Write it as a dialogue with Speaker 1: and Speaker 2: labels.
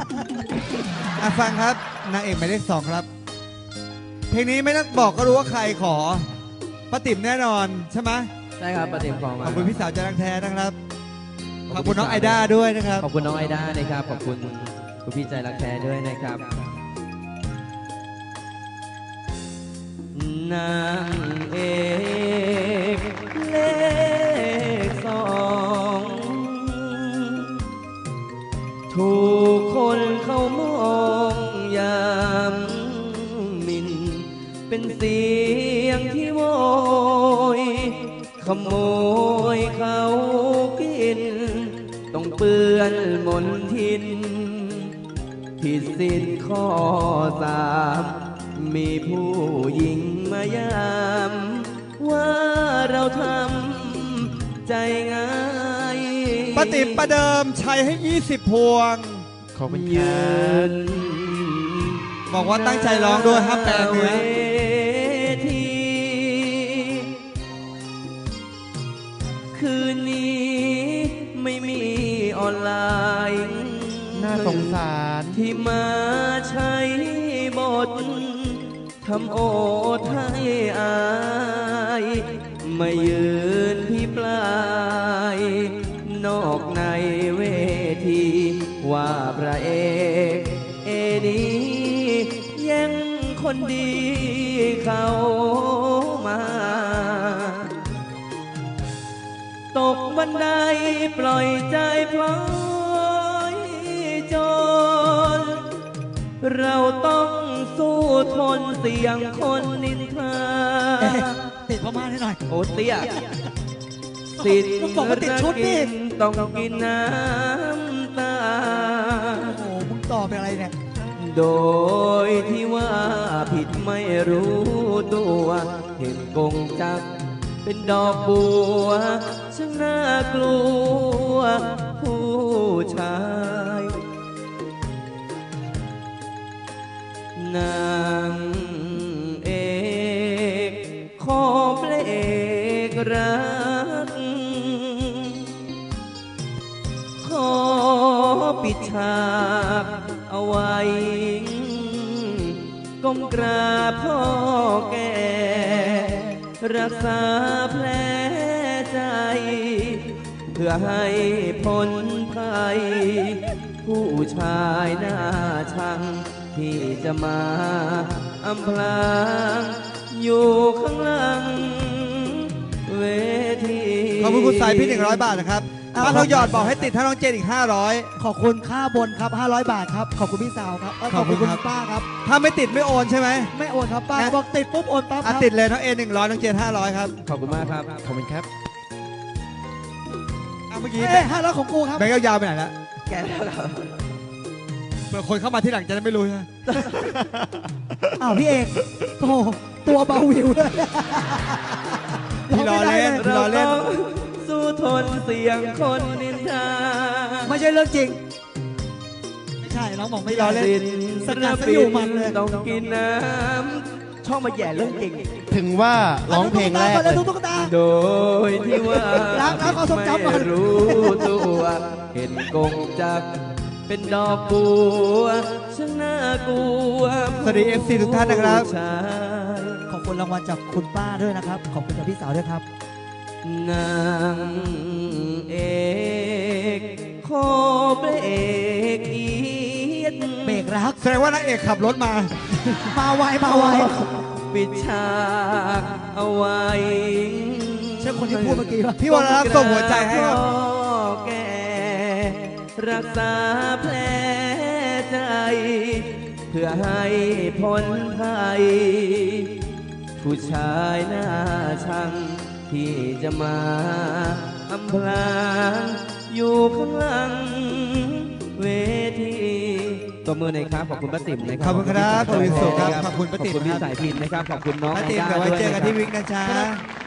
Speaker 1: ฟังครับนางเอกหมายเลข 2ครับเพลงนี้ไม่ต้องบอกก็รู้ว่าใครขอป้าติ๋มแน่นอนใช่ไหม
Speaker 2: ใช่ครับป้าติ๋มขอมา
Speaker 1: ขอบคุณพี่สาวจรังแท้นะครับขอบคุณน้องไอด้าด้วยนะครับ
Speaker 2: ขอบคุณน้องไอด้านะครับขอบคุณคุณพี่ใจรักแท้ด้วยนะครับนางเอกเลข 2ถูกคนเขามองยามหมิ่นเป็นเสียงที่โวยขโมยเขากินต้องเปื้อนมนทินผิดศีลข้อ3มีผู้หญิงมายามว่าเราทำใจง่าย
Speaker 1: ป้าติ๋มประเดิมชัยให้20 พวง
Speaker 2: ขอบคุณครับ
Speaker 1: บอกว่าตั้งใจร้องด้วยห้ามแปลเนื้อ
Speaker 2: คืนนี้ไม่มีออนไลน์
Speaker 3: น่าสงสาร
Speaker 2: ที่มาใช้บททำโอดให้อายไม่ยืนที่ปลายนอกในเวทีว่าพระเอกนี้ยังคนดีเขามาตกบันไดปล่อยใจพลอยจนเราต้องสู้ทนเสียงคนนินทา
Speaker 3: ติดพม่าให้หน่อย
Speaker 2: โอ้เตี้ยสิทธิ์
Speaker 3: ติดชุดนี่
Speaker 2: ต้องกินน้ำตา
Speaker 3: โอ้โหมึงต่อเป็นอะไรเนี่ย
Speaker 2: โดยที่ว่าผิดไม่รู้ตัวเห็นกงจักเป็นดอกบัวช่างน่ากลัวผู้ชายนางเอกขอเพลงรักขอปิดฉากเอาไว้ก้มกราบพ่อแก่รักษาแผลใจเพื่อให้พ้นภัยผู้ชายหน้าชังที่จะมาอำพรางอยู่ข้างหลังเวที
Speaker 1: ขอบคุณคุณสายพี่100 บาทนะครับถ้าเราหยอดบอกให้ติดถ้าน้องเจนอีก500
Speaker 3: ขอบคุณค่าบนครับ500 บาทครับขอบคุณพี่สาวครับขอบคุณคุณป้าครับ
Speaker 1: ถ้าไม่ติดไม่โอนใช่ไหม
Speaker 3: ไม่โอนครับป้าบอกติดปุ๊บโอนปั๊บ
Speaker 1: ติดเลยน้องเอ100น้องเจน500ครับ
Speaker 2: ขอบคุณมากครับ
Speaker 3: ขอบคุณครับ
Speaker 1: เมื่อกี้
Speaker 3: 500ของกูครับ
Speaker 1: แบงค์ยาวๆไปไหนละ
Speaker 2: แกแล้วครับ
Speaker 1: เผื่อคนเข้ามาที่หลังจะได้ไม่รู้นะ
Speaker 3: พี่เอกโอ้ตัวเบาวิวเลย
Speaker 1: พี่ล้อเล่นพี่ล้อเล่น
Speaker 2: สู้ทนเสียงคนนินทา
Speaker 3: ไม่ใช่เรื่องจริงไม่ใช่น้องบอกไม่ล้อเล่นสนับสนุนมันเลย
Speaker 2: ต้องกินน้ำช่องมาแย่เรื่องจริง
Speaker 3: ถึงว่าร้องเพลงแรกเลย
Speaker 2: โดยที่ว่า
Speaker 3: ไม่
Speaker 2: รู้ตัวเห็นกงจักเป็นดอกบัวช่างน่ากลัว
Speaker 1: สวัสดี FC ทุกท่านนะครับ
Speaker 3: ขอบคุณรางวัลจากคุณป้าด้วยนะครับขอบคุณจากพี่สาวด้วยครับ
Speaker 2: นางเอกขอเบรกอีด
Speaker 3: เบรกรัก
Speaker 1: แสดงว่านางเอกขับรถมา
Speaker 3: ไวมาไว
Speaker 2: ปิดฉากเอาไว้
Speaker 3: ใช่คนที่พูดเมื่อกี้ป่ะ
Speaker 1: พี่วรรัตน์ส่งหัวใจให้ครับ
Speaker 2: แกรักษาแผลใจเพื่อให้พ้นภัยผู้ชายหน้าชังที่จะมาอำพรางอยู่ข้างหลังเวทีตัวมือหน่อยครับขอบคุณป้าติ๋มนะครับ
Speaker 1: ขอบคุณครับขอบคุณสุขครับขอบคุณป้าติ๋ม
Speaker 2: ขอบคุณพี่สายพินนะครับขอบคุณน้อง
Speaker 1: ป้าติ๋มเดี๋ยวไว้เจอกันที่วิกนะจ๊ะ